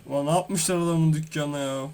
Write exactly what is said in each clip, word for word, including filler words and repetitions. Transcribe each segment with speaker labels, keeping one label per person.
Speaker 1: Ulan ne yapmışlar adamın dükkanına ya.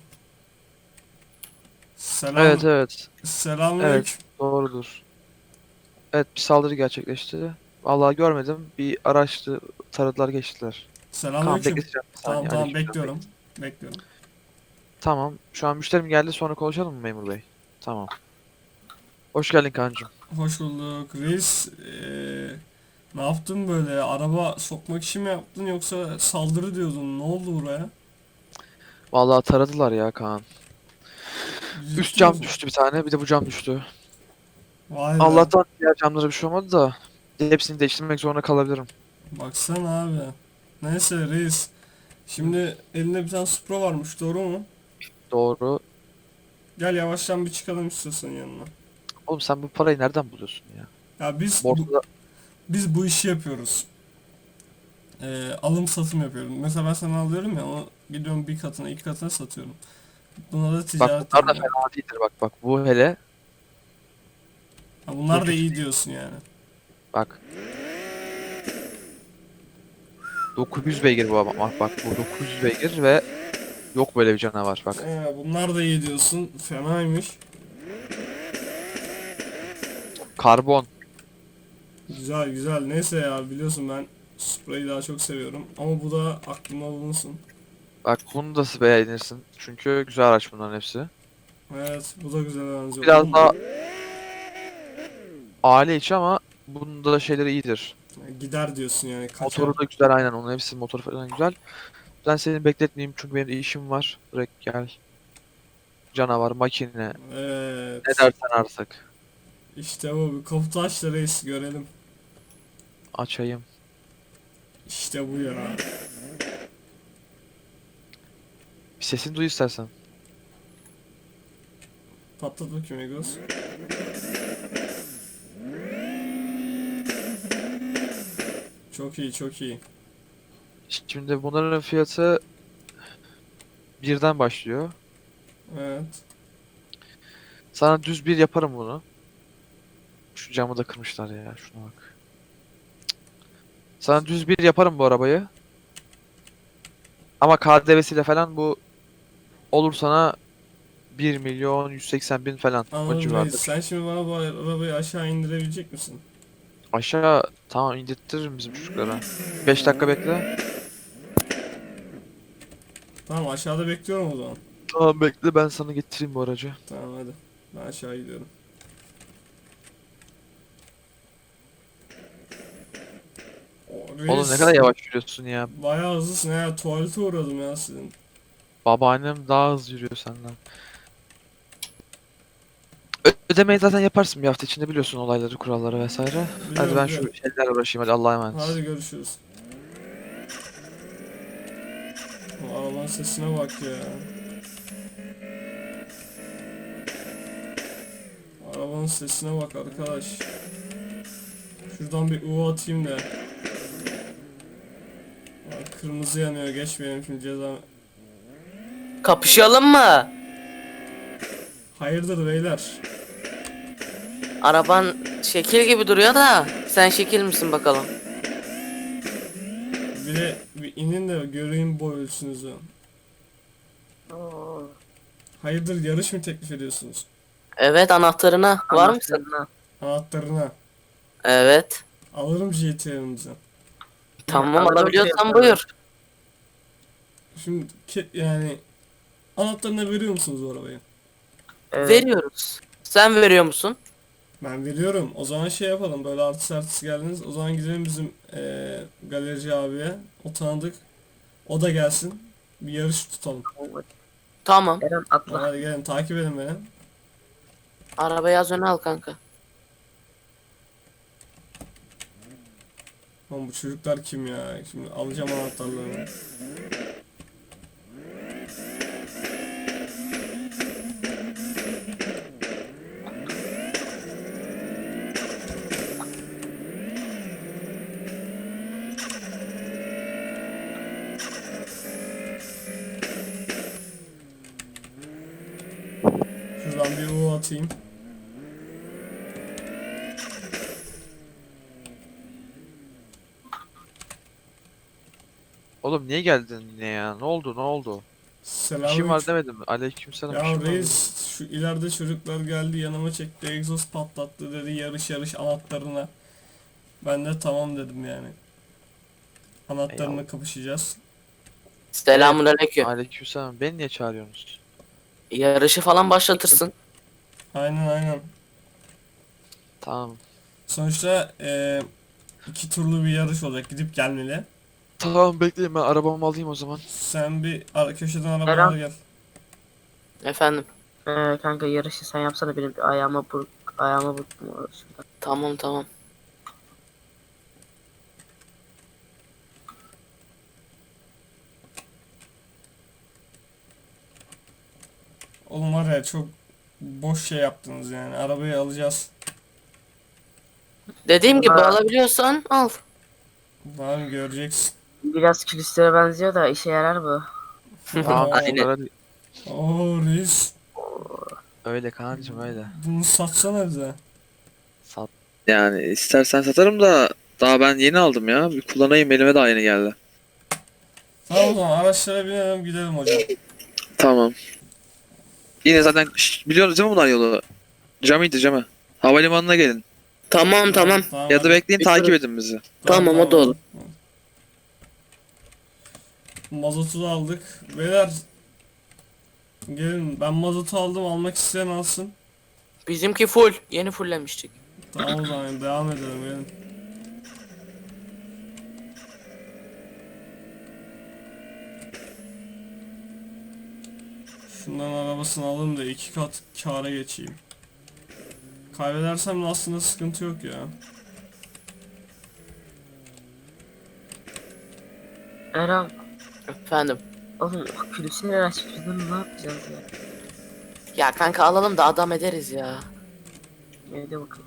Speaker 2: Evet
Speaker 1: Selam.
Speaker 2: evet. Evet
Speaker 1: Selamünaleyküm.
Speaker 2: doğrudur. Evet bir saldırı gerçekleşti. Vallahi görmedim. Bir araçtı taradılar geçtiler. Tamam
Speaker 1: Selamünaleyküm.
Speaker 2: bekleteceğim bir
Speaker 1: Tamam
Speaker 2: saniye.
Speaker 1: tamam
Speaker 2: Aleykümselam
Speaker 1: bekliyorum.
Speaker 2: bekle.
Speaker 1: Bekliyorum.
Speaker 2: Tamam şu an müşterim geldi sonra konuşalım mı memur bey? Tamam. Hoş geldin kancım.
Speaker 1: Hoş bulduk. Reis, eee, ne yaptın böyle? Araba sokmak için mi yaptın yoksa saldırı diyordun? Ne oldu buraya?
Speaker 2: Vallahi taradılar ya Kaan. Üst
Speaker 1: Ciddi
Speaker 2: cam
Speaker 1: misin?
Speaker 2: düştü bir tane bir de bu cam düştü.
Speaker 1: Vay be.
Speaker 2: Allah'tan diğer camlara bir şey olmadı da hepsini değiştirmek zorunda kalabilirim.
Speaker 1: Baksana abi. Neyse reis.
Speaker 2: Hı,
Speaker 1: Şimdi elinde bir tane Supra varmış, doğru mu?
Speaker 2: doğru.
Speaker 1: Gel yavaştan bir çıkalım istiyorsan yanına.
Speaker 2: Oğlum sen bu parayı nereden buluyorsun ya?
Speaker 1: Ya biz bu,
Speaker 2: Borsada
Speaker 1: biz bu işi yapıyoruz. Eee, alım satım yapıyorum. Mesela ben sana alıyorum ya, onu gidiyorum bir katına iki katına satıyorum. Buna da
Speaker 2: bak
Speaker 1: ticaret
Speaker 2: bunlar da
Speaker 1: deniyor.
Speaker 2: fena değildir bak bak bu hele
Speaker 1: Ha,
Speaker 2: bu
Speaker 1: bunlar da
Speaker 2: hiç
Speaker 1: iyi diyorsun yani.
Speaker 2: bak dokuz yüz beygir bu ama bak bak bu dokuz yüz beygir ve yok böyle bir canavar bak.
Speaker 1: Ee, bunlar da iyi diyorsun. Fenaymış.
Speaker 2: Karbon.
Speaker 1: Güzel güzel. Neyse ya, biliyorsun ben Supra'yı daha çok seviyorum. Ama bu da aklımda bulunsun.
Speaker 2: Bak bunu da beğenirsin. Çünkü güzel araç bunların hepsi.
Speaker 1: Evet, bu da güzel
Speaker 2: Bu
Speaker 1: benziyor.
Speaker 2: biraz
Speaker 1: Oğlum,
Speaker 2: daha aile içi ama bunun da şeyleri iyidir.
Speaker 1: gider diyorsun yani, kaçar.
Speaker 2: Motoru da güzel aynen onun hepsi motoru falan güzel. Ben seni bekletmeyeyim çünkü benim de işim var. Direkt gel. Canavar, makine. Ne
Speaker 1: Evet.
Speaker 2: dersen artık.
Speaker 1: İşte bu. Bir kaputu aç da reis görelim.
Speaker 2: Açayım.
Speaker 1: İşte bu ya.
Speaker 2: Bir sesini duy istersen.
Speaker 1: Patlat bakayım Egos. Çok iyi çok iyi.
Speaker 2: Şimdi bunların fiyatı birden başlıyor.
Speaker 1: Evet.
Speaker 2: Sana düz bir yaparım bunu. Şu camı da kırmışlar ya. Şuna bak. Sana düz bir yaparım bu arabayı. Ama K D V'siyle falan bu olur sana bir milyon yüz seksen bin falan o
Speaker 1: Anladım reis.
Speaker 2: civarda.
Speaker 1: Sen şimdi bana bu arabayı aşağı indirebilecek misin?
Speaker 2: Aşağı tamam indirtirim bizim çocuklara. beş dakika bekle.
Speaker 1: Tamam, aşağıda bekliyorum o zaman.
Speaker 2: Tamam bekle ben sana getireyim bu aracı.
Speaker 1: Tamam hadi. Ben aşağı gidiyorum. O,
Speaker 2: Oğlum ne
Speaker 1: reis
Speaker 2: kadar yavaş yürüyorsun ya.
Speaker 1: bayağı hızlısın ya. Tuvalete uğradım ya sizin.
Speaker 2: Babaannem daha hızlı yürüyor senden. Ö- ödemeyi zaten yaparsın bir hafta içinde biliyorsun olayları, kuralları vesaire. Hadi
Speaker 1: Biliyorum
Speaker 2: ben
Speaker 1: biliyorum.
Speaker 2: şu şeylerle uğraşayım hadi Allah'a emanet.
Speaker 1: Hadi görüşürüz. O arabanın sesine bak ya. Arabanın sesine bak arkadaş. Şuradan bir U atayım da. Aa, kırmızı yanıyor. Geçmeyelim şimdi ceza.
Speaker 3: Kapışalım mı?
Speaker 1: Hayırdır beyler?
Speaker 3: Araban şekil gibi duruyor da sen şekil misin bakalım?
Speaker 1: Bir de bir inin de göreyim boy ölçünüzü. Hayırdır, yarış mı teklif ediyorsunuz?
Speaker 3: Evet, anahtarına var mısın?
Speaker 1: Anahtarına.
Speaker 3: Evet.
Speaker 1: Alırım G T A'nızı.
Speaker 3: Tamam, alabiliyorsan buyur.
Speaker 1: Şimdi ke- yani anahtarını veriyor musunuz bu arabayı?
Speaker 3: Veriyoruz. Sen veriyor musun?
Speaker 1: Ben veriyorum. O zaman şey yapalım. Böyle artist artist geldiniz. O zaman gidelim bizim eee galerici abiye. O tanıdık. O da gelsin. Bir yarış tutalım.
Speaker 3: Tamam.
Speaker 4: Eren
Speaker 1: Tamam,
Speaker 4: atla.
Speaker 1: hadi gelin takip edin beni.
Speaker 3: Arabayı az öne al kanka.
Speaker 1: Oğlum bu çocuklar kim ya? Şimdi alacağım anahtarlarını. Şuradan bir U atayım.
Speaker 2: Oğlum niye geldin yine ya? Ne oldu ne oldu? İşim var
Speaker 1: Selamünaleyküm.
Speaker 2: demedim mi? Aleykümselam,
Speaker 1: Ya
Speaker 2: işim var dedim.
Speaker 1: reis şu ileride çocuklar geldi yanıma çekti egzoz patlattı dedi yarış yarış anahtarına. Ben de tamam dedim yani. Anahtarına
Speaker 2: Eyvallah.
Speaker 1: kapışacağız.
Speaker 3: Selamünaleyküm.
Speaker 2: Aleykümselam. Beni niye çağırıyorsunuz?
Speaker 3: Yarışı falan başlatırsın.
Speaker 1: Aynen aynen.
Speaker 2: Tamam.
Speaker 1: Sonuçta eee, iki turlu bir yarış olacak gidip gelmeli.
Speaker 2: Tamam bekleyin, ben arabamı alayım o zaman.
Speaker 1: Sen bir ara, köşeden arabanı
Speaker 4: Eren.
Speaker 1: al gel.
Speaker 3: Efendim.
Speaker 4: Ee, kanka yarışı sen yapsana, benim bir ayağıma burk ayağıma burktum orası.
Speaker 3: Tamam tamam.
Speaker 1: Oğlum var ya çok boş şey yaptınız yani. Arabayı alacağız.
Speaker 3: Dediğim gibi
Speaker 4: Ama-
Speaker 3: alabiliyorsan al.
Speaker 1: Tamam göreceksin.
Speaker 4: Biraz külüstüre benziyor da işe yarar bu.
Speaker 2: Tamam.
Speaker 3: Aynen.
Speaker 2: Öyle,
Speaker 1: Oo reis.
Speaker 2: öyle kancım öyle.
Speaker 1: Bunu satsana bize.
Speaker 2: Sat. Yani istersen satarım da daha ben yeni aldım ya. Bir kullanayım, elime daha yeni geldi.
Speaker 1: Tamam o zaman araçlara binelim gidelim hocam.
Speaker 2: Tamam. Yine zaten şş, biliyorsunuz değil mi bunlar yolu? Cami'ydi Cami. Havalimanına gelin.
Speaker 3: Tamam tamam.
Speaker 1: Tamam,
Speaker 2: Ya da
Speaker 1: hadi.
Speaker 2: bekleyin,
Speaker 3: Bir
Speaker 2: takip
Speaker 3: sürü-
Speaker 2: edin bizi.
Speaker 3: Tamam, o da olur.
Speaker 1: Mazotu da aldık. Beyler gelin ben mazotu aldım almak isteyen alsın.
Speaker 3: Bizimki full. Yeni fulllemiştik.
Speaker 1: Tamam o zaman devam edelim gelin. Şundan arabasını alayım da iki kat kâra geçeyim. Kaybedersem de aslında sıkıntı yok ya.
Speaker 4: Eren,
Speaker 3: Efendim.
Speaker 4: oğlum külüstüre açmışsın, ne yapacağız ya?
Speaker 3: Ya kanka alalım da adam ederiz ya.
Speaker 4: Evde bakalım.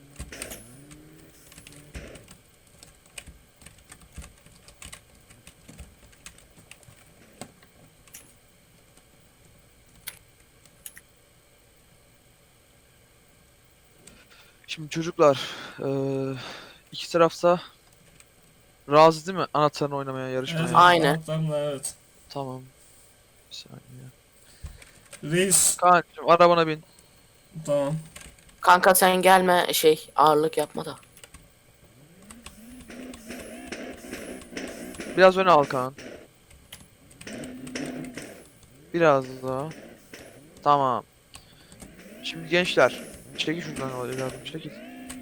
Speaker 2: Şimdi çocuklar, eee iki tarafta razı değil mi anahtarını oynamaya, yarışmaya?
Speaker 1: Evet,
Speaker 3: Aynen.
Speaker 1: anahtarla, evet.
Speaker 2: Tamam. Bir saniye.
Speaker 1: Reis.
Speaker 2: Kaan'cığım arabana bin.
Speaker 1: Tamam.
Speaker 3: Kanka sen gelme şey ağırlık yapma da.
Speaker 2: Biraz öne al Kaan. Biraz daha. Tamam. Şimdi gençler, çekil şuradan evladım, çekil.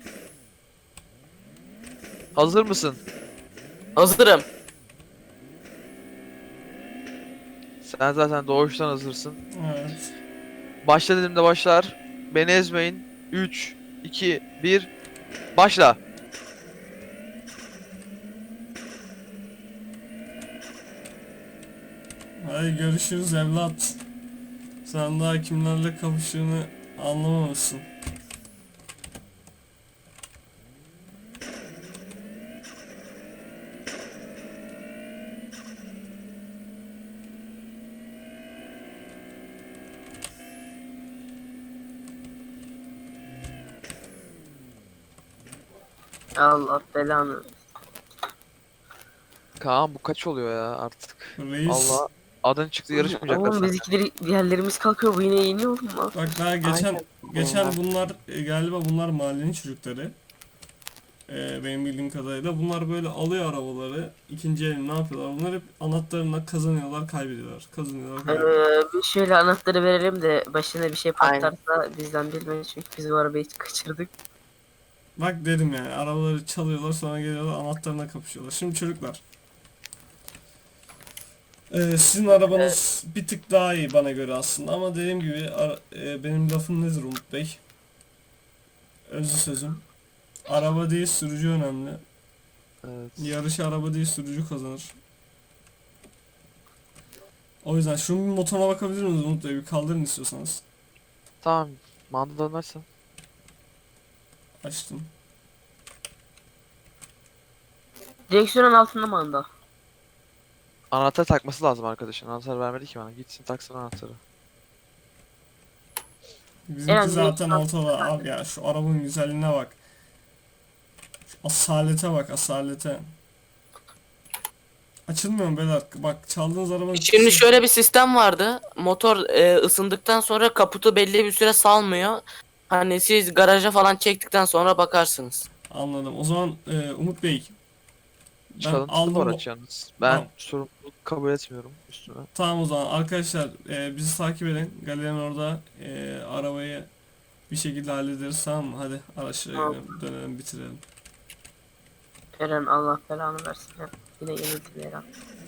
Speaker 2: Hazır mısın?
Speaker 3: Hazırım.
Speaker 2: Sen zaten doğuştan hazırsın.
Speaker 1: Evet.
Speaker 2: Başla dediğimde başlar. Beni ezmeyin. üç, iki, bir. Başla.
Speaker 1: Hadi görüşürüz evlat. Sen daha kimlerle kapıştığını anlamamışsın.
Speaker 4: Allah belanı.
Speaker 2: Kaan bu kaç oluyor ya artık?
Speaker 1: Reis.
Speaker 2: Allah, adın çıktı, yarışmayacaklar
Speaker 4: Oğlum
Speaker 2: seninle.
Speaker 4: bizimkileri, diğerlerimiz kalkıyor, bu yine yeniyor oğlum lan.
Speaker 1: Bak daha geçen
Speaker 3: Aynen.
Speaker 1: geçen bunlar e, galiba bunlar mahallenin çocukları. E, benim bildiğim kadarıyla bunlar böyle alıyor arabaları ikinci elini ne yapıyorlar? Bunlar hep anahtarına kazanıyorlar, kaybediyorlar. Kazanıyorlar, kaybediyorlar.
Speaker 4: Ee, bir şöyle anahtarı verelim de başına bir şey
Speaker 3: Aynen.
Speaker 4: patlarsa bizden bilmeyin, çünkü biz bu arabayı kaçırdık.
Speaker 1: Bak dedim yani arabaları çalıyorlar sonra geliyorlar anahtarına kapışıyorlar. Şimdi çocuklar. e, sizin arabanız bir tık daha iyi bana göre aslında ama dediğim gibi ara- e, benim lafım nedir Umut Bey? Özlü sözüm. Araba değil sürücü önemli.
Speaker 2: Evet.
Speaker 1: Yarışı araba değil sürücü kazanır. O yüzden şunun bir motoruna bakabilir misiniz Umut Bey? Bir kaldırın istiyorsanız.
Speaker 2: Tamam. Mandalı açsın.
Speaker 1: Açtım.
Speaker 4: Direksiyonun altında manda.
Speaker 2: Anahtar takması lazım arkadaşın. Anahtar vermedi ki bana. Gitsin taksın anahtarı.
Speaker 1: Bizimki
Speaker 4: Yani
Speaker 1: zaten
Speaker 4: direkt-
Speaker 1: ortada abi ya şu arabanın güzelliğine bak. Şu asalete bak asalete. Açılmıyor mu beyler? Bak çaldığınız arabanın...
Speaker 3: Şimdi şöyle bir sistem vardı. Motor e, ısındıktan sonra kaputu belli bir süre salmıyor. Hani siz garaja falan çektikten sonra bakarsınız.
Speaker 1: Anladım. O zaman e, Umut Bey, ben
Speaker 2: Çalıntılı
Speaker 1: aldım
Speaker 2: bu
Speaker 1: bu-
Speaker 2: araç yalnız. Ben
Speaker 1: Tamam.
Speaker 2: sorumluluk kabul etmiyorum üstüne.
Speaker 1: Tamam o zaman arkadaşlar, e, bizi takip edin. Galerinin orada e, arabayı bir şekilde hallederiz, tamam mı? Hadi araçlara
Speaker 4: Tamam.
Speaker 1: gidelim, dönelim, bitirelim.
Speaker 4: Eren Allah belanı versin. Hep yine yenildi Eren.